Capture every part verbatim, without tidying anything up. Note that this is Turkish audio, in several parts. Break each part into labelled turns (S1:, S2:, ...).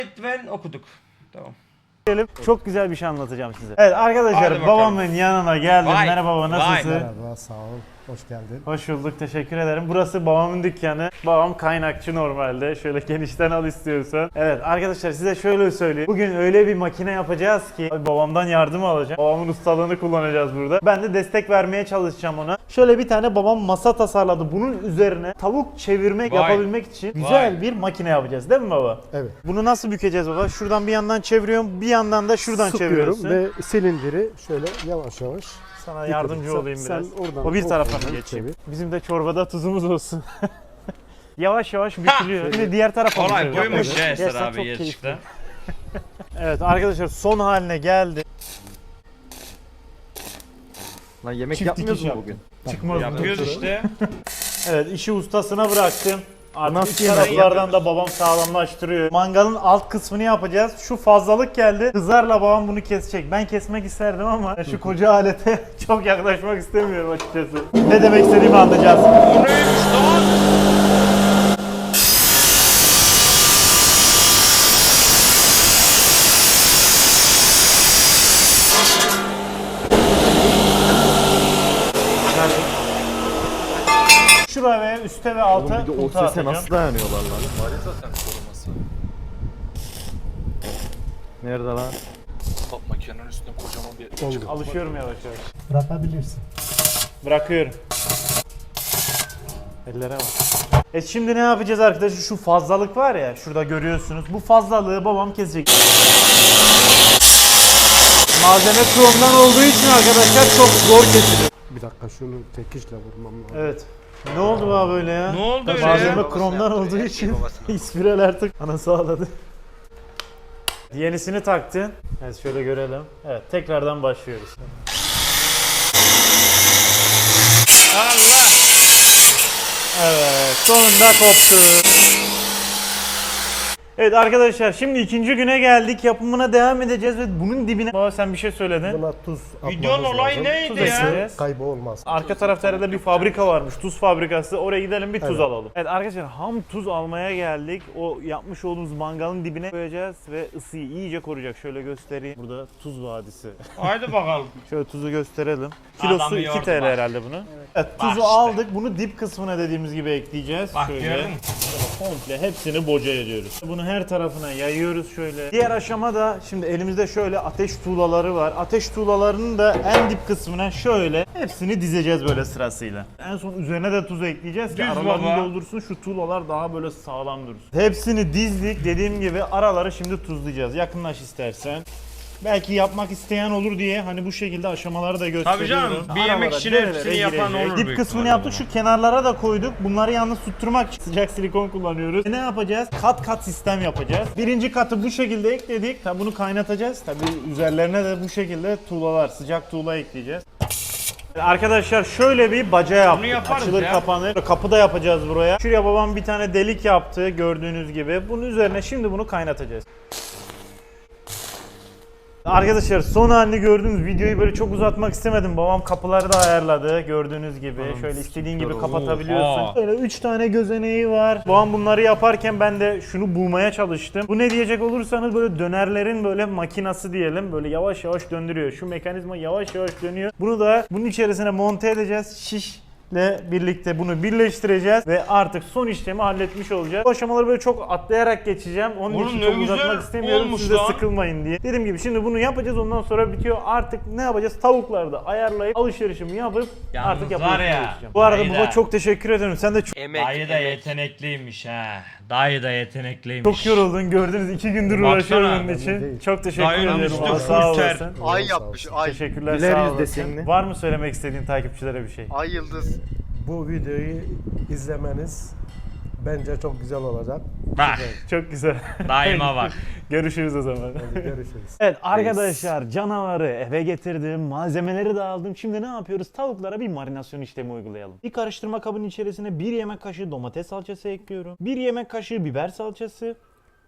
S1: Ben okuduk. Tamam.
S2: Çok güzel bir şey anlatacağım size. Evet arkadaşlar babamın yanına geldim.
S1: Vay,
S2: Merhaba baba, nasılsın?
S3: Merhaba, sağ ol. Hoş geldin.
S2: Hoş bulduk, teşekkür ederim. Burası babamın dükkanı. Babam kaynakçı normalde. Şöyle genişten al istiyorsan. Evet arkadaşlar size şöyle söyleyeyim. Bugün öyle bir makine yapacağız ki abi, babamdan yardım alacağım. Babamın ustalığını kullanacağız burada. Ben de destek vermeye çalışacağım ona. Şöyle bir tane babam masa tasarladı. Bunun üzerine tavuk çevirmek
S1: Vay.
S2: yapabilmek için güzel
S1: Vay.
S2: bir makine yapacağız değil mi baba?
S3: Evet.
S2: Bunu nasıl bükeceğiz baba? Şuradan bir yandan çeviriyorum, bir yandan da şuradan
S3: Sıkıyorum
S2: çeviriyorsun.
S3: ve silindiri şöyle yavaş yavaş.
S2: Sana yardımcı
S3: Sen-
S2: olayım biraz.
S3: sen oradan
S2: O bir tarafa
S3: oradan
S2: geçeyim.
S3: çevir.
S2: Bizim de çorbada tuzumuz olsun. Yavaş yavaş bükülüyor. Şimdi diğer tarafa
S1: Kolay
S2: bükülüyor.
S1: buymuş
S2: Evet.
S1: ya Eser
S2: Gerçekten
S1: abi
S2: çok
S1: yarışta.
S2: keyifli. Evet arkadaşlar son haline geldi.
S4: Lan yemek
S2: Çift
S4: yapmıyoruz
S2: dikiş
S4: mu bugün?
S2: Çıkmaz.
S1: Yapıyoruz işte.
S2: Evet işi ustasına bıraktım. Artık
S4: Nasıl
S2: iç
S4: yemek
S2: taraflardan da babam sağlamlaştırıyor. Mangalın alt kısmını yapacağız. Şu fazlalık geldi. Kızarla babam bunu kesecek. Ben kesmek isterdim ama şu koca alete çok yaklaşmak istemiyorum açıkçası. Ne demek istediğimi anlayacağız.
S1: O neymiş lan?
S2: Şuraya ve üste ve alta
S4: Oğlum bir de o
S2: kutu
S4: sese
S2: atacağım.
S4: nasıl dayanıyorlar lan?
S5: Var ya zaten koruması.
S4: Nerede lan?
S5: Top makinenin üstünde kocaman bir
S3: Oldu.
S5: çıkıntı var.
S2: Alışıyorum yavaş yavaş.
S3: Bırakabilirsin.
S2: Bırakıyorum. Ellere bak. E şimdi ne yapacağız arkadaşlar? Şu fazlalık var ya, şurada görüyorsunuz. Bu fazlalığı babam kesecek. Malzeme kromdan olduğu için arkadaşlar çok zor kesilir.
S3: Bir dakika şunu tekişle vurmam lazım.
S2: Evet. Ne oldu baba böyle ya?
S1: Ne oldu öyle
S2: Malzeme
S1: ya?
S2: kromdan olduğu için ispiral artık anası ağladı. Yenisini taktın. Evet şöyle görelim. Evet tekrardan başlıyoruz.
S1: Allah!
S2: Evet sonunda koptu. Evet arkadaşlar şimdi ikinci güne geldik. Yapımına devam edeceğiz ve bunun dibine... Baba sen bir şey söyledin.
S3: Buna tuz
S1: Videonun
S3: atmamız
S1: olayı
S3: lazım.
S1: neydi
S2: Tuz
S1: ya?
S2: ekleyeceğiz.
S3: Kaybı olmaz.
S2: Arka tarafta herhalde bir fabrika varmış. Tuz fabrikası. Oraya gidelim bir tuz
S3: Evet.
S2: alalım. Evet arkadaşlar ham tuz almaya geldik. O yapmış olduğumuz mangalın dibine koyacağız ve ısıyı iyice koruyacak. Şöyle göstereyim. Burada tuz vadisi.
S1: Haydi bakalım.
S2: Şöyle tuzu gösterelim. Kilosu
S1: Adamı
S2: iki
S1: yordu
S2: T L
S1: bak.
S2: herhalde bunu. Evet, tuzu
S1: Bak işte.
S2: aldık. Bunu dip kısmına dediğimiz gibi ekleyeceğiz.
S1: Bak
S2: şöyle.
S1: gördün mü?
S2: Komple hepsini boca ediyoruz. Bunu her tarafına yayıyoruz şöyle. Diğer aşama da şimdi elimizde şöyle ateş tuğlaları var. Ateş tuğlalarının da en dip kısmına şöyle hepsini dizeceğiz böyle sırasıyla. En son üzerine de tuz ekleyeceğiz ki
S1: Düz
S2: aralarını
S1: baba.
S2: doldursun, şu tuğlalar daha böyle sağlam dursun. Hepsini dizdik. Dediğim gibi araları şimdi tuzlayacağız. Yakınlaş istersen. Belki yapmak isteyen olur diye hani bu şekilde aşamaları da gösteriyorum.
S1: canım, bir yemek
S2: Aralara,
S1: için
S2: nerelere
S1: hepsini yapan
S2: girecek.
S1: olur
S2: Dip
S1: büyük
S2: kısmını
S1: ihtimalle
S2: yaptık.
S1: bunu.
S2: Şu kenarlara da koyduk. Bunları yalnız tutturmak için sıcak silikon kullanıyoruz. E ne yapacağız? Kat kat sistem yapacağız. Birinci katı bu şekilde ekledik. Tabi bunu kaynatacağız. Tabi üzerlerine de bu şekilde tuğlalar, sıcak tuğla ekleyeceğiz. Arkadaşlar şöyle bir baca yaptık.
S1: yaparız
S2: Açılır
S1: ya.
S2: kapanır. Kapı da yapacağız buraya. Şuraya babam bir tane delik yaptı gördüğünüz gibi. Bunun üzerine şimdi bunu kaynatacağız. Arkadaşlar son halini gördüğünüz videoyu böyle çok uzatmak istemedim. Babam kapıları da ayarladı gördüğünüz gibi. Şöyle istediğin gibi kapatabiliyorsun.
S1: Oha.
S2: Böyle üç tane gözeneği var. Babam bunları yaparken ben de şunu bulmaya çalıştım. Bu ne diyecek olursanız böyle dönerlerin böyle makinası diyelim. Böyle yavaş yavaş döndürüyor. Şu mekanizma yavaş yavaş dönüyor. Bunu da bunun içerisine monte edeceğiz. Şiş ile birlikte bunu birleştireceğiz ve artık son işlemi halletmiş olacağız. Bu aşamaları böyle çok atlayarak geçeceğim. Onun
S1: Oğlum
S2: için
S1: ne
S2: çok
S1: güzel
S2: uzatmak istemiyorum.
S1: olmuş
S2: Siz de
S1: lan.
S2: sıkılmayın diye. Dediğim gibi şimdi bunu yapacağız. Ondan sonra bitiyor. Artık ne yapacağız? Tavukları da ayarlayıp alışverişimi yapıp
S1: Yalnız
S2: artık
S1: var
S2: yapılışına
S1: ya,
S2: geçeceğim. Bu arada
S1: dayı
S2: baba
S1: da-
S2: çok teşekkür ederim. Sen de çok,
S1: Dayı da yetenekliymiş ha. Dayı da yetenekliymiş.
S2: çok yoruldun. Gördünüz iki gündür
S1: Baksana.
S2: uğraşıyorum bunun için.
S3: Değil.
S2: Çok teşekkür
S1: Dayının
S2: ederim.
S1: üstü
S2: Valla
S1: full
S2: sağ
S1: ter.
S2: olasın.
S6: Ay
S3: Sağ
S6: yapmış,
S3: olsun.
S6: ay.
S2: Teşekkürler
S4: Güler
S2: sağ
S4: yüz
S2: olasın.
S4: desenli.
S2: Var mı söylemek istediğin takipçilere bir şey?
S6: Ay yıldız.
S3: Bu videoyu izlemeniz bence çok güzel olacak.
S1: Bak
S2: Çok güzel.
S1: daima bak.
S2: Görüşürüz o zaman.
S3: Hadi görüşürüz.
S2: Evet arkadaşlar canavarı eve getirdim, malzemeleri de aldım. Şimdi ne yapıyoruz? Tavuklara bir marinasyon işlemi uygulayalım. Bir karıştırma kabının içerisine bir yemek kaşığı domates salçası ekliyorum. Bir yemek kaşığı biber salçası.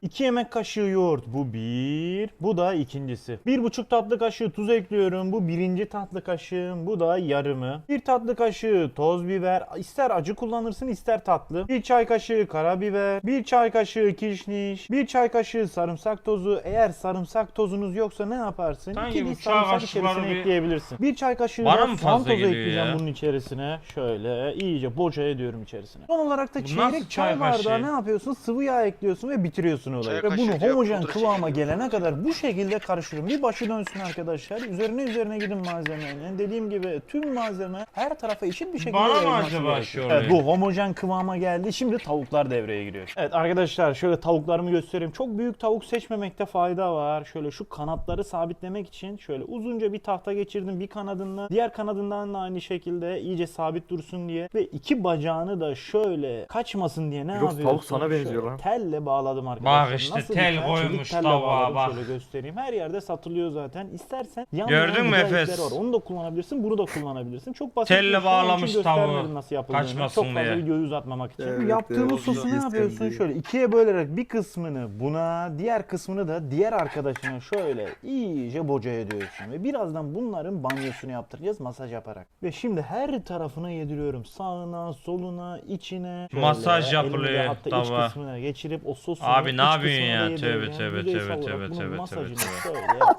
S2: iki yemek kaşığı yoğurt. Bu bir. Bu da ikincisi. bir buçuk tatlı kaşığı tuz ekliyorum. Bu birinci tatlı kaşığım. Bu da yarımı. bir tatlı kaşığı toz biber. İster acı kullanırsın ister tatlı. bir çay kaşığı karabiber. bir çay kaşığı kişniş. bir çay kaşığı sarımsak tozu. Eğer sarımsak tozunuz yoksa ne yaparsın?
S1: Sanki
S2: iki
S1: bu
S2: diş
S1: çay
S2: sarımsak
S1: kaşıkları
S2: içerisine
S1: bir-
S2: ekleyebilirsin. bir çay kaşığı
S1: Bana
S2: da
S1: mı
S2: soğan
S1: fazla
S2: tozu
S1: geliyor
S2: ekleyeceğim
S1: ya?
S2: bunun içerisine. Şöyle iyice boca ediyorum içerisine. Son olarak da
S1: Bu nasıl
S2: çeyrek
S1: çay
S2: çay bardağı
S1: kaşığı?
S2: ne yapıyorsun? Sıvı yağ ekliyorsun ve bitiriyorsun olayı.
S6: Çay
S2: Ve bunu
S6: kaşığı diyor,
S2: homojen
S6: pudra
S2: kıvama
S6: şekeri.
S2: gelene kadar bu şekilde karıştırıyorum. Bir başı dönsün arkadaşlar. Üzerine üzerine gidin malzemenin. Dediğim gibi tüm malzeme her tarafa eşit bir şekilde
S1: Bana mı
S2: yayılması
S1: acaba
S2: gerekiyor.
S1: şöyle?
S2: Evet, bu homojen kıvama geldi. Şimdi tavuklar devreye giriyor. Evet arkadaşlar şöyle tavuklarımı göstereyim. Çok büyük tavuk seçmemekte fayda var. Şöyle şu kanatları sabitlemek için şöyle uzunca bir tahta geçirdim bir kanadından. Diğer kanadından da aynı şekilde iyice sabit dursun diye. Ve iki bacağını da şöyle kaçmasın diye ne
S4: Yok,
S2: yapıyorsun?
S4: tavuk sana benziyor
S2: Şöyle
S4: lan.
S2: Telle bağladım arkadaşlar.
S1: Bak işte
S2: Nasıl
S1: tel
S2: bir
S1: koymuş
S2: Çelik telle
S1: tavuğa,
S2: bağladım.
S1: bak.
S2: Şöyle göstereyim. Her yerde satılıyor zaten. İstersen
S1: Gördün mü
S2: yanmayan
S1: Efes?
S2: güzel ipler var. Onu da kullanabilirsin. Bunu da kullanabilirsin. Çok basit.
S1: Telle
S2: bir şey. Onun için
S1: bağlamış
S2: göstermedim
S1: tavuğu.
S2: nasıl yapıldığını.
S1: Kaçmasın
S2: Çok fazla
S1: diye.
S2: videoyu uzatmamak için.
S3: Evet,
S2: Yaptığımız
S3: evet,
S2: sosu ne
S3: evet,
S2: yapıyorsun?
S3: evet.
S2: Şöyle ikiye bölerek bir kısmını buna, diğer kısmını da diğer arkadaşına şöyle iyice boca ediyorsun. Ve birazdan bunların banyosunu yaptıracağız masaj yaparak. Ve şimdi her tarafına yediriyorum. Sağına, soluna, içine. Şöyle
S1: Masaj
S2: elimle
S1: yapılıyor
S2: hatta iç
S1: tavuğa.
S2: kısmına geçirip o sosu
S1: Abi
S2: iç
S1: ne yapıyorsun
S2: kısmına
S1: ya?
S2: da
S1: Tövbe,
S2: yedireceğim.
S1: tövbe,
S2: Yüzeysel
S1: tövbe,
S2: olarak
S1: tövbe,
S2: bunun
S1: tövbe,
S2: masajını
S1: tövbe,
S2: şöyle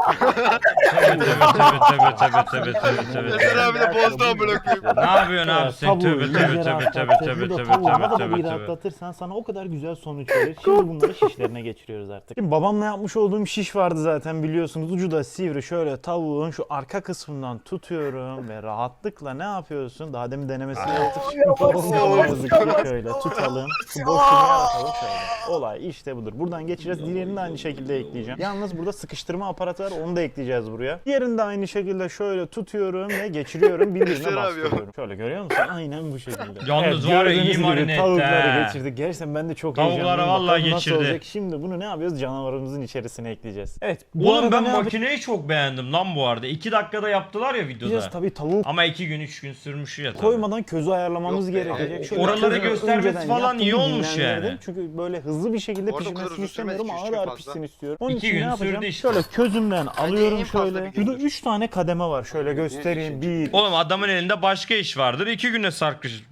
S1: Tövbe tövbe tövbe tövbe tövbe tövbe tövbe
S6: Eser
S1: tövbe.
S6: abi de bozdu amına koyayım.
S1: Ne yapıyorsun abi sen?
S2: Tavuğu
S1: Tövbe tövbe
S2: iyice
S1: tövbe tövbe
S2: rahatlattık.
S1: tövbe
S2: Bu da
S1: tövbe
S2: tavuğu ne
S1: tövbe
S2: kadar
S1: tövbe
S2: iyi
S1: tövbe.
S2: rahatlatırsan sana o kadar güzel sonuç verir. Şimdi bunları şişlerine geçiriyoruz artık. Şimdi babamla yapmış olduğum şiş vardı zaten biliyorsunuz. Ucu da sivri. Şöyle tavuğun şu arka kısmından tutuyorum ve rahatlıkla ne yapıyorsun? Daha demin denemesini yaptık. Şimdi babamla ne yazık ki şöyle tutalım. Şu boşluğunu yaratalım şöyle. Olay işte budur. Buradan geçeceğiz. Diğerini de aynı şekilde ekleyeceğim. Yalnız burada sıkıştırma aparatı var. Onu da ekleyeceğiz buraya. Diğerini de aynı şekilde şöyle tutuyorum ve geçiriyorum. Birbirine
S6: Eser abi ya.
S2: bastırıyorum. Şöyle görüyor musun? Aynen bu şekilde.
S1: Yalnız var ya, iyi
S2: gördüğünüz gibi
S1: marine etti
S2: Tavukları
S1: ha.
S2: geçirdik. Gerçekten ben de çok
S1: Tavukları
S2: heyecanlıyım.
S1: vallahi
S2: Bakalım nasıl
S1: geçirdi.
S2: olacak. Şimdi bunu ne yapıyoruz? Canavarımızın içerisine ekleyeceğiz. Evet. Bu
S1: Oğlum
S2: arada
S1: ben
S2: ne
S1: makineyi çok beğendim lan bu arada. iki dakikada yaptılar ya videoda.
S2: yapacağız? Tabii tavuk
S1: Ama iki gün üç gün sürmüş ya tabii.
S2: koymadan közü ayarlamamız
S6: Yok be,
S2: gerekecek.
S6: abi,
S2: Şöyle
S1: oraları
S2: közü
S1: göstermesi
S2: önceden
S1: falan
S2: yaptım,
S1: iyi olmuş
S2: dinlendirdim.
S1: yani.
S2: Çünkü böyle hızlı bir şekilde
S6: Orada o kadar
S2: pişmesini
S6: uzun sürmez,
S2: istemiyorum.
S6: iki üç
S2: Ağır
S6: gün
S2: ağır
S6: fazla.
S2: pişsin istiyorum. Onun
S1: İki
S2: için
S1: gün
S2: ne
S1: sürdü
S2: yapacağım?
S1: işte.
S2: Şöyle közümden alıyorum
S6: en fazla
S2: şöyle.
S6: bir gündür.
S2: Şurada üç tane kademe var. Şöyle göstereyim. bir,
S1: Oğlum adamın elinde başka iş vardır. iki güne sarkış.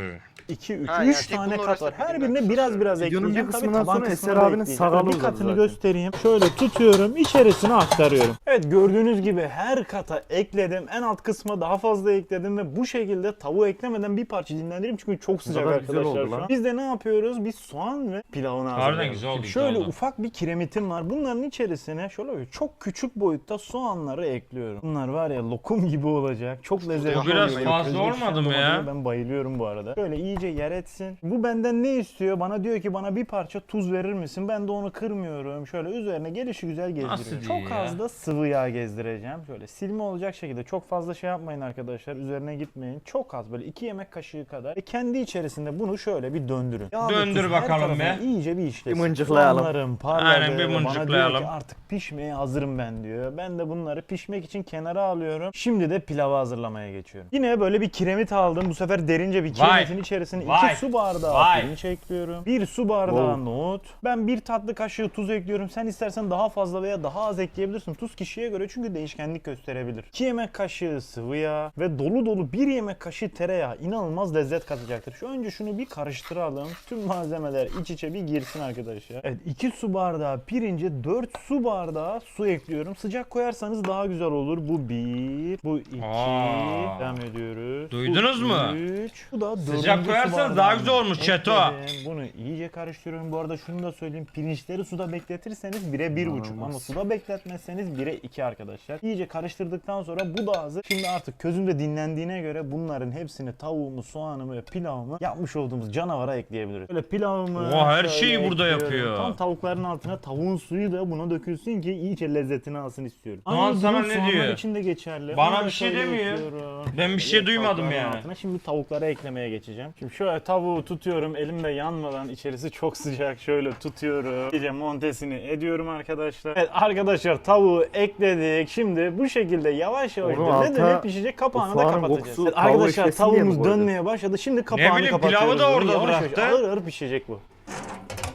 S2: iki, üç,
S6: Ha,
S2: üç
S6: yani tek
S2: tane
S6: bunun
S2: kat var.
S6: arasında
S2: Her
S6: bir
S2: birine
S6: gün
S2: biraz biraz
S3: Videonun
S2: ekleyeceğim.
S3: bir
S2: Tabii
S3: kısmından
S2: taban
S3: sonra
S2: kısmını
S3: Eser
S2: da
S3: abinin
S2: ekleyeceğim.
S3: sakalı
S2: Bir
S3: uzadı
S2: katını
S3: zaten.
S2: göstereyim. Şöyle tutuyorum. İçerisine aktarıyorum. Evet gördüğünüz gibi her kata ekledim. En alt kısma daha fazla ekledim ve bu şekilde tavuğu eklemeden bir parça dinlendireyim çünkü çok sıcak
S4: kadar güzel
S2: arkadaşlar
S4: oldu
S2: şu an.
S4: lan.
S2: Biz de ne yapıyoruz? Biz soğan ve pilavını
S1: Harbiden
S2: hazırlıyoruz.
S1: güzel oldu,
S2: Şimdi
S1: güzel
S2: Şöyle
S1: oldu.
S2: ufak bir kiremitim var. Bunların içerisine şöyle çok küçük boyutta soğanları ekliyorum. Bunlar var ya lokum gibi olacak. Çok lezzetli
S1: Bu biraz
S2: oluyor.
S1: fazla
S2: Közde
S1: olmadı
S2: pişen
S1: mı ya?
S2: domatese Ben bayılıyorum bu arada. Şöyle iyice yer etsin. Bu benden ne istiyor? Bana diyor ki bana bir parça tuz verir misin? Ben de onu kırmıyorum. Şöyle üzerine gelişi güzel gezdiriyorum.
S1: Nasıl
S2: Çok
S1: diyor ya?
S2: az da sıvı yağ gezdireceğim. Şöyle silme olacak şekilde. Çok fazla şey yapmayın arkadaşlar. Üzerine gitmeyin. Çok az böyle iki yemek kaşığı kadar. Ve kendi içerisinde bunu şöyle bir döndürün. Yağ ve
S1: Döndür
S2: tuz her
S1: bakalım
S2: tarafına
S1: be.
S2: iyice bir işlesin.
S4: Bir mıncıklayalım.
S2: Soğanlarım parladı.
S1: Aynen, bir
S2: Bana diyor
S1: mıncıklayalım.
S2: ki artık pişmeye hazırım ben diyor. Ben de bunları pişmek için kenara alıyorum. Şimdi de pilavı hazırlamaya geçiyorum. Yine böyle bir kiremit aldım. Bu sefer derince bir
S1: Vay.
S2: kiremitin içerisine
S1: Vay.
S2: iki su bardağı
S1: Vay.
S2: pirinç ekliyorum. bir su bardağı nohut. Ben bir tatlı kaşığı tuz ekliyorum. Sen istersen daha fazla veya daha az ekleyebilirsin. Tuz kişiye göre çünkü değişkenlik gösterebilir. iki yemek kaşığı sıvı yağ ve dolu dolu bir yemek kaşığı tereyağı inanılmaz lezzet katacaktır. Şu önce şunu bir karıştıralım. Tüm malzemeler iç içe bir girsin arkadaşlar. Evet iki su bardağı pirince dört su bardağı su ekliyorum. Sıcak koyarsanız daha güzel olur. Bu bir, bu iki.
S1: Aa.
S2: Devam ediyoruz.
S1: Duydunuz
S2: bu
S1: mu?
S2: Üç. Bu da
S1: Sıcak
S2: dördüncü su
S1: koyarsanız
S2: bardağı.
S1: daha güzel olmuş Çeto.
S2: Ekledim. Bunu iyice karıştırıyorum. Bu arada şunu da söyleyeyim. Pirinçleri suda bekletirseniz bire bir buçuk ama suda bekletmezseniz bire iki arkadaşlar. İyice karıştırdıktan sonra bu da hazır. Şimdi artık közümde dinlendiğine göre bunların hepsini tavuğumu, soğanımı ve pilavımı yapmış olduğumuz canavara ekleyebiliriz. Böyle pilavımı
S1: Oha, her
S2: şöyle
S1: şeyi burada
S2: ekliyorum.
S1: yapıyor.
S2: Tam tavukların altına tavuğun suyu da buna dökülsün ki iyice lezzetini alsın istiyorum.
S1: Ulan
S2: Aynı
S1: sana
S2: durum
S1: ne
S2: soğanlar
S1: diyor?
S2: için de geçerli.
S1: Bana
S2: Onu da
S1: bir şey
S2: şöyle
S1: demiyor.
S2: ekliyorum.
S1: Ben bir şey
S2: Evet,
S1: duymadım
S2: tavukların
S1: yani.
S2: altına. Şimdi tavuklara eklemeye geçeceğim. Şimdi şöyle tavuğu tutuyorum elimde yanmadan, içerisi çok sıcak, şöyle tutuyorum. İyice montesini ediyorum arkadaşlar. Evet arkadaşlar tavuğu ekledik. Şimdi bu şekilde yavaş yavaş
S4: Onun
S2: döne döne
S4: alta
S2: pişecek, kapağını
S4: o
S2: da
S4: soğanın
S2: kapatacağız.
S4: kokusu
S2: Evet,
S4: tavuğu
S2: arkadaşlar
S4: eklesin diye mi
S2: tavuğumuz
S4: koydun?
S2: dönmeye başladı. Şimdi kapağını
S1: bileyim,
S2: kapatıyoruz.
S1: pilavı da
S2: Bunu
S1: orada
S2: yavaş yavaş
S1: bıraktı.
S2: Ağır ağır pişecek bu.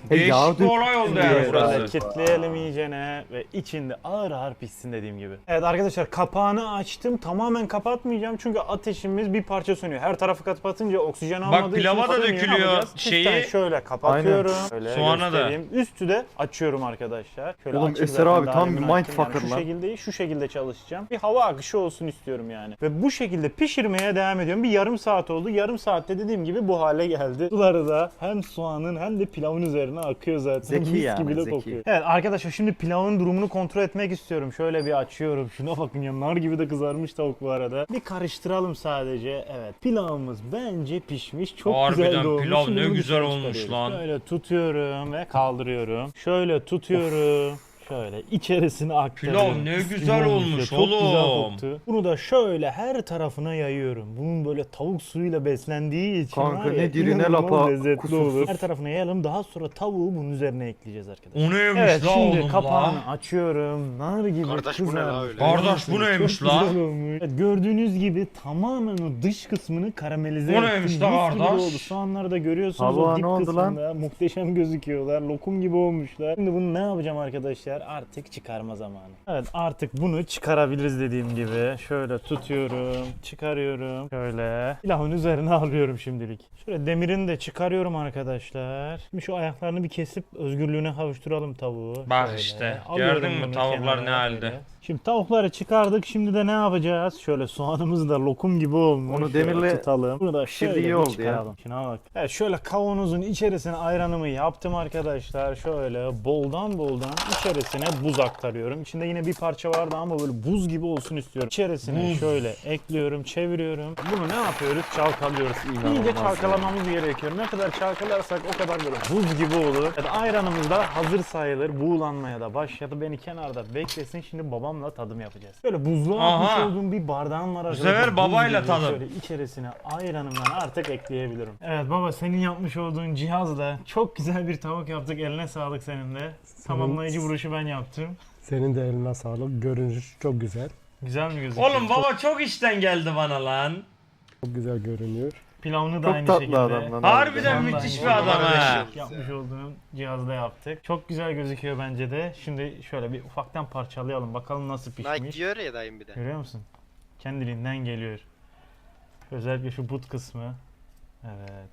S4: Hey, yağ
S1: Değişik bir
S4: dök-
S1: olay oldu
S4: Şimdi
S1: yani
S2: Şöyle
S1: burası.
S2: kitleyelim iyicene ve içinde ağır ağır pişsin dediğim gibi. Evet arkadaşlar kapağını açtım. Tamamen kapatmayacağım çünkü ateşimiz bir parça sönüyor. Her tarafı kapatınca oksijen almadığı
S1: pilava
S2: için
S1: da
S2: sönüyor.
S1: dökülüyor
S2: Ne yapacağız?
S1: şeyi.
S2: Çiftten şöyle kapatıyorum. Şöyle
S1: Soğana da.
S2: göstereyim. Üstü de açıyorum arkadaşlar. Şöyle
S4: Oğlum,
S2: açık
S4: Eser
S2: zaten
S4: abi
S2: daha
S4: tam
S2: demin
S4: bir
S2: açtım.
S4: mindfucker
S2: Şu
S4: lan.
S2: şekilde değil, şu şekilde çalışacağım. Bir hava akışı olsun istiyorum yani. Ve bu şekilde pişirmeye devam ediyorum. Bir yarım saat oldu. Yarım saatte dediğim gibi bu hale geldi. Suları da hem soğanın hem de pilavın üzerine akıyor zaten.
S4: Zeki
S2: Mis
S4: yani,
S2: gibi de
S4: zeki.
S2: kokuyor. Evet arkadaşlar şimdi pilavın durumunu kontrol etmek istiyorum. Şöyle bir açıyorum. Şuna bakın ya, nar gibi de kızarmış tavuk bu arada. Bir karıştıralım sadece. Evet pilavımız bence pişmiş. Çok
S1: Harbiden
S2: güzel olmuş.
S1: pilav
S2: Şimdi
S1: ne
S2: bunu
S1: güzel
S2: dışarı
S1: olmuş
S2: çıkarıyoruz.
S1: lan.
S2: Şöyle tutuyorum ve kaldırıyorum. Şöyle tutuyorum. Şöyle içerisine aktarıyorum.
S1: Pilav ne
S2: Mis gibi
S1: güzel olmuş
S2: ya, çok güzel
S1: oğlum.
S2: koktu. Bunu da şöyle her tarafına yayıyorum. Bunun böyle tavuk suyuyla beslendiği için
S4: Kanka,
S2: var ya,
S4: ne diri ne
S2: inanılmaz
S4: lapa,
S2: lezzetli
S4: kusursuz.
S2: olur. Her tarafına yayalım. Daha sonra tavuğu bunun üzerine ekleyeceğiz arkadaşlar.
S1: O neymiş
S2: Evet
S1: la
S2: şimdi
S1: oğlum
S2: kapağını
S1: la?
S2: açıyorum. Nar gibi
S6: Kardeş, bu ne la
S2: kızarmış.
S6: öyle?
S1: Kardeş, bu neymiş
S2: Çok
S1: la?
S2: güzel olmuş. Evet, gördüğünüz gibi tamamen o dış kısmını karamelize
S1: Bu neymiş
S2: ettim.
S1: la
S2: Mis gibi
S1: kardeş?
S2: oldu. Soğanları da görüyorsunuz
S4: Tavuğa
S2: o dip
S4: ne oldu lan?
S2: kısmında. Muhteşem gözüküyorlar. Lokum gibi olmuşlar. Şimdi bunu ne yapacağım arkadaşlar? Artık çıkarma zamanı. Evet artık bunu çıkarabiliriz dediğim gibi. Şöyle tutuyorum. Çıkarıyorum. Şöyle. Pilavın üzerine alıyorum şimdilik. Şöyle demirini de çıkarıyorum arkadaşlar. Şimdi şu ayaklarını bir kesip özgürlüğüne kavuşturalım tavuğu.
S1: Bak
S2: Şöyle.
S1: işte,
S2: Alıyorum
S1: gördün mü
S2: bunu
S1: tavuklar
S2: kenara
S1: ne halde?
S2: böyle. Şimdi tavukları çıkardık. Şimdi de ne yapacağız? Şöyle soğanımız da lokum gibi olmuş.
S4: Onu
S2: Şöyle
S4: demirle
S2: tutalım. Bunu da
S4: pişirdiği
S2: şöyle
S4: iyi
S2: bir
S4: oldu ya.
S2: çıkaralım. Şuna bak. Evet şöyle kavanozun içerisine ayranımı yaptım arkadaşlar. Şöyle boldan boldan içerisine buz aktarıyorum. İçinde yine bir parça vardı ama böyle buz gibi olsun istiyorum. İçerisine
S1: Buz.
S2: şöyle ekliyorum, çeviriyorum. Bunu ne yapıyoruz? Çalkalıyoruz. İyice çalkalamamız gerekiyor. Ne kadar çalkalarsak o kadar böyle buz gibi olur. Evet, ayranımız da hazır sayılır. Buğulanmaya da başladı. Beni kenarda beklesin. Şimdi babamla tadım yapacağız. Böyle buzluğa
S1: Aha.
S2: atmış olduğum bir bardağım var.
S1: sefer
S2: arkadaşlar. Buz
S1: babayla
S2: gibi.
S1: tadım.
S2: Şöyle içerisine ayranımdan artık ekleyebilirim. Evet baba senin yapmış olduğun cihazla çok güzel bir tavuk yaptık. Eline sağlık senin de. Tamamlayıcı vuruşu ben yaptım.
S3: Senin de eline sağlık. Görünüş çok güzel.
S2: Güzel mi gözüküyor?
S1: Oğlum baba çok işten geldi bana lan.
S3: Çok güzel görünüyor.
S2: Pilavını da
S4: Çok
S2: aynı
S4: tatlı
S2: şekilde.
S4: adam lan.
S1: Harbiden
S2: Vallahi
S1: müthiş
S2: iyi.
S1: bir adam ha.
S2: Yapmış olduğum cihazda yaptık. Çok güzel gözüküyor bence de. Şimdi şöyle bir ufaktan parçalayalım. Bakalım nasıl
S6: Nike
S2: pişmiş.
S6: diyor ya dayım bir de.
S2: Görüyor musun? Kendiliğinden geliyor. Özellikle şu but kısmı. Evet.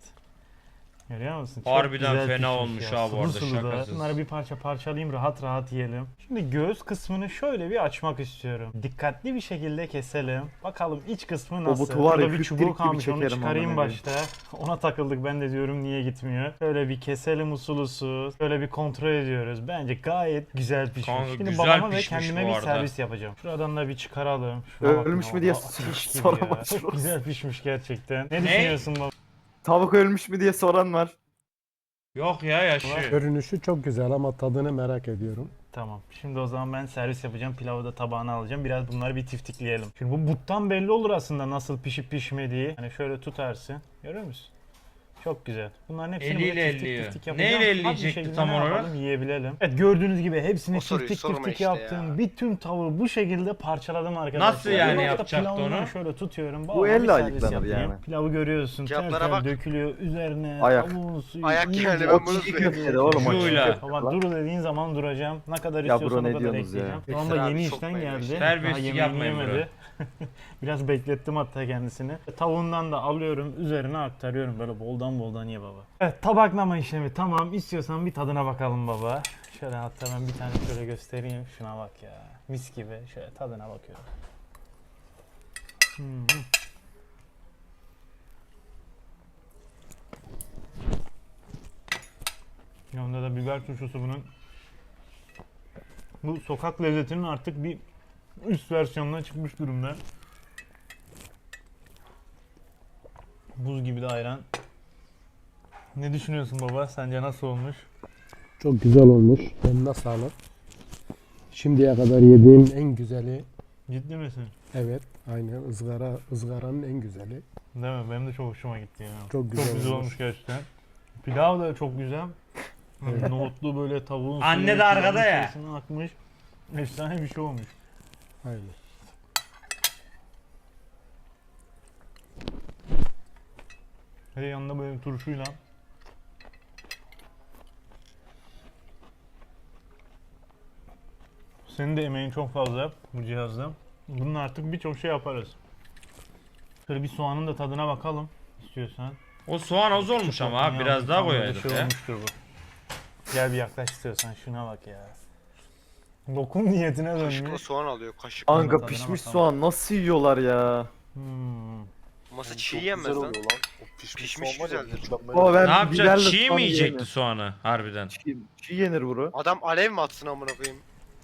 S2: Görüyor musun? Çok
S1: Harbiden
S2: güzel
S1: fena
S2: pişmiş
S1: olmuş
S2: ya.
S1: ha bu
S2: Sulu
S1: arada,
S2: sulu da.
S1: şakasız.
S2: Bunları bir parça parçalayayım rahat rahat yiyelim. Şimdi göğüs kısmını şöyle bir açmak istiyorum. Dikkatli bir şekilde keselim. Bakalım iç kısmı nasıl?
S4: butu var ya,
S2: Burada bir
S4: hüp
S2: çubuğu
S4: delik gibi
S2: kalmış onu
S4: çekerim
S2: çıkarayım
S4: amına
S2: başta. Ona takıldık ben de diyorum niye gitmiyor. Şöyle bir keselim usul usul. Şöyle bir kontrol ediyoruz. Bence gayet güzel pişmiş.
S1: Kanka,
S2: Şimdi
S1: güzel
S2: babama ve
S1: pişmiş
S2: kendime
S1: bu
S2: bir
S1: arada.
S2: servis yapacağım. Şuradan da bir çıkaralım. Şuna bakın
S4: Ölmüş mü
S2: ya,
S4: diye
S2: ateş gibi
S4: soran
S2: ya.
S4: var.
S2: Çok güzel pişmiş gerçekten. Ne, düşünüyorsun baba?
S4: Tavuk ölmüş mü diye soran var.
S1: Yok ya yaşıyor.
S3: Görünüşü çok güzel ama tadını merak ediyorum.
S2: Tamam. Şimdi o zaman ben servis yapacağım. Pilavı da tabağına alacağım. Biraz bunları bir tiftikleyelim. Şimdi bu buttan belli olur aslında nasıl pişip pişmediği. Hani şöyle tutarsın. Görüyor musun? Çok güzel. Bunların hepsini
S1: Eliyle
S2: böyle tiftik
S1: elliyor.
S2: tiftik yapacağım.
S1: Neyle
S2: Hadi bir
S1: elleyecekti
S2: şekilde
S1: tam
S2: ne
S1: olarak?
S2: yapalım, yiyebilelim. Evet gördüğünüz gibi hepsini
S6: O soruyu
S2: tiftik
S6: sorma
S2: tiftik
S6: işte
S2: yaptım.
S6: ya.
S2: Bir tüm tavuğu bu şekilde parçaladım arkadaşlar.
S1: Nasıl yani
S2: Bir nokta
S1: yapacaktı
S2: pilavından
S1: onu?
S2: Şöyle tutuyorum.
S4: Bu
S2: Babama
S4: elle
S2: bir servis
S4: ayıklanır
S2: yapayım.
S4: yani.
S2: Pilavı görüyorsun.
S6: Kağıtlara
S2: Tel tel
S6: bak.
S2: dökülüyor. Üzerine
S4: Ayak.
S2: tavuğun suyu.
S6: Ayak
S2: iyice
S6: yani, ben
S4: O
S6: bunu
S4: çiğ
S6: söyleyeyim.
S4: köftede oğlum o çiğ
S1: Şuyla.
S4: köfte
S2: Baba
S4: lan.
S2: dur dediğin zaman duracağım. Ne kadar
S4: Ya
S2: istiyorsan
S4: bro,
S2: o
S4: ne
S2: kadar
S4: diyorsunuz ya?
S2: ekleyeceğim. Şu
S6: Ekstra
S2: anda
S6: abi,
S2: yeni
S6: çok
S2: işten
S6: beğendim.
S2: geldi.
S1: Terbiyesizlik
S2: Daha yemeğini
S1: yapmayın bro.
S2: yemedi. Biraz beklettim hatta kendisini. Tavuğundan da alıyorum, üzerine aktarıyorum. Böyle boldan boldan ye baba. Evet, tabaklama işlemi tamam. İstiyorsan bir tadına bakalım baba. Şöyle hatta ben bir tane şöyle göstereyim. Şuna bak ya. Mis gibi. Şöyle tadına bakıyorum. Hmm. Yanında da biber turşusu bunun. Bu sokak lezzetinin artık bir üst versiyonuna çıkmış durumda. Buz gibi de ayran. Ne düşünüyorsun baba? Sence nasıl olmuş?
S3: Çok güzel olmuş. Eline sağlık. Şimdiye kadar yediğim en güzeli.
S2: Ciddi misin?
S3: Evet. Aynen ızgara, ızgaranın en güzeli.
S2: Değil mi? Benim de çok hoşuma gitti ya.
S3: Çok güzel
S2: çok güzel
S3: olmuş.
S2: olmuş gerçekten. Pilav da çok güzel.
S3: Evet.
S2: Nohutlu böyle tavuğun
S1: Anne
S2: suyu
S1: de arkada
S2: pilavın
S1: ya.
S2: içerisine akmış. Efsane bir şey olmuş.
S3: Aynen.
S2: Ve yanında böyle turşuyla Senin de emeğin çok fazla bu cihazda. Bununla artık birçok şey yaparız. Şöyle bir soğanın da tadına bakalım istiyorsan.
S1: O soğan az olmuş ama abi biraz daha koyaydık
S2: Şey
S1: ya.
S2: olmuştur bu. Gel bir yaklaş istiyorsan şuna bak ya. Lokum niyetine
S6: Kaşıkla
S2: dönmüş.
S6: soğan alıyor kaşık.
S4: Kanka
S2: tadına
S4: pişmiş
S2: bakalım.
S4: soğan nasıl yiyorlar ya?
S2: Hmm.
S6: Masa
S5: Çok
S6: çiğ
S5: güzel
S6: yenmez lan.
S5: oluyor lan. O pişmiş,
S6: Pişmiş
S5: soğan var ya,
S6: güzeldir.
S5: mükemmel.
S4: Baba ben
S1: Ne yapacak?
S4: biberle
S1: Çiğ mi
S4: soğan
S1: yiyecekti
S4: yiyemem.
S1: soğanı harbiden?
S4: Çiğ, çiğ yenir buru.
S6: Adam alev mi atsın amına koyayım?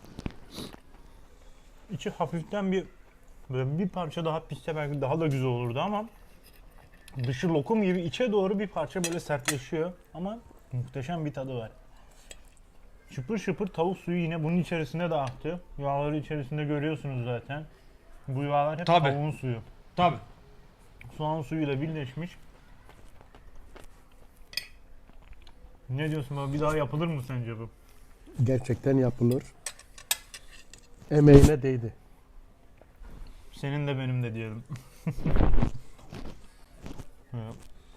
S2: İçi hafiften bir böyle bir parça daha pişse belki daha da güzel olurdu ama dışı lokum gibi içe doğru bir parça böyle sertleşiyor ama muhteşem bir tadı var. Şıpır şıpır tavuk suyu yine bunun içerisinde de aktı. Yağları içerisinde görüyorsunuz zaten. Bu yağlar hep
S1: Tabii.
S2: tavuğun suyu.
S1: Tabi.
S2: Soğan suyuyla birleşmiş. Ne diyorsun baba? Bir daha yapılır mı sence bu?
S3: Gerçekten yapılır. Emeğine değdi.
S2: Senin de benim de diyelim. Evet.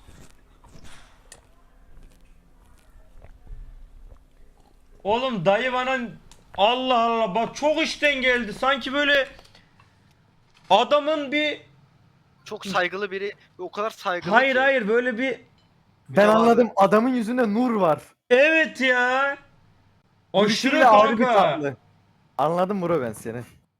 S1: Oğlum dayı bana Allah Allah bak çok işten geldi. Sanki böyle adamın bir
S6: Çok saygılı biri ve o kadar saygılı
S1: hayır
S6: ki.
S1: hayır böyle bir
S4: Ben
S6: Mütevazı.
S4: anladım adamın yüzünde nur var.
S1: evet ya. Aşırı
S4: Gülüşüyle ayrı bir
S1: kanka.
S4: tatlı. Anladım bro ben seni.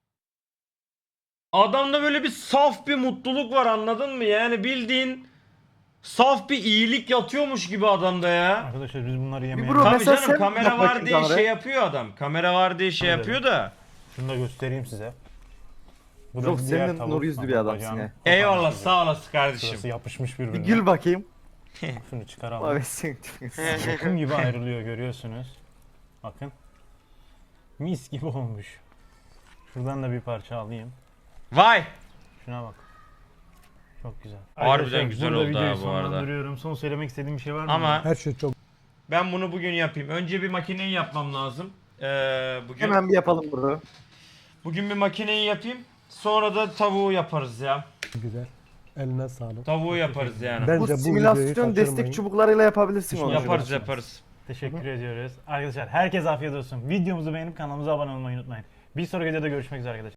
S1: Adamda böyle bir saf bir mutluluk var anladın mı? Yani bildiğin saf bir iyilik yatıyormuş gibi adamda ya.
S2: Arkadaşlar biz bunları yemeye...
S4: bro-
S1: Tabii
S4: mesela
S1: canım
S4: sen
S1: kamera
S4: yap
S1: var
S4: bakayım
S1: diye
S4: kameraya.
S1: şey yapıyor adam. Kamera var diye şey
S2: Öyle.
S1: yapıyor da.
S2: Şunu da göstereyim size. Bu
S4: Çok
S2: diğer
S4: senin
S2: tavuk.
S4: nur yüzlü
S2: Bak,
S4: bir adamsın
S2: bacağını
S4: ya.
S2: koparmış
S1: Eyvallah
S2: gibi.
S1: sağ olasın kardeşim.
S2: Şurası yapışmış
S4: Bir
S2: birbirine.
S4: gül bakayım.
S2: Şunu çıkaralım.
S4: Abi sen.
S2: Lokum gibi ayrılıyor görüyorsunuz. Bakın. Mis gibi olmuş. Şuradan da bir parça alayım.
S1: Vay.
S2: Şuna bak. Çok güzel.
S1: Harbiden
S2: Arkadaşlar,
S1: güzel
S2: burada
S1: oldu
S2: videoyu
S1: ha bu arada.
S2: sonlandırıyorum. Son söylemek istediğim bir şey var mı?
S1: Ama
S3: Her şey çok
S1: ben bunu bugün yapayım. Önce bir makineyi yapmam lazım. Ee, bugün
S4: Hemen bir yapalım bro.
S1: bugün bir makineyi yapayım. Sonra da tavuğu yaparız ya.
S3: güzel. Eline sağlık.
S1: Tavuğu yaparız yani.
S3: Bence
S4: Bu
S3: bu videoyu
S4: simülasyon
S3: kaçırmayın.
S4: destek çubuklarıyla yapabilirsin onu.
S1: Yaparız yaparız.
S2: Teşekkür ediyoruz. Arkadaşlar herkese afiyet olsun. Videomuzu beğenip kanalımıza abone olmayı unutmayın. Bir sonraki videoda görüşmek üzere arkadaşlar.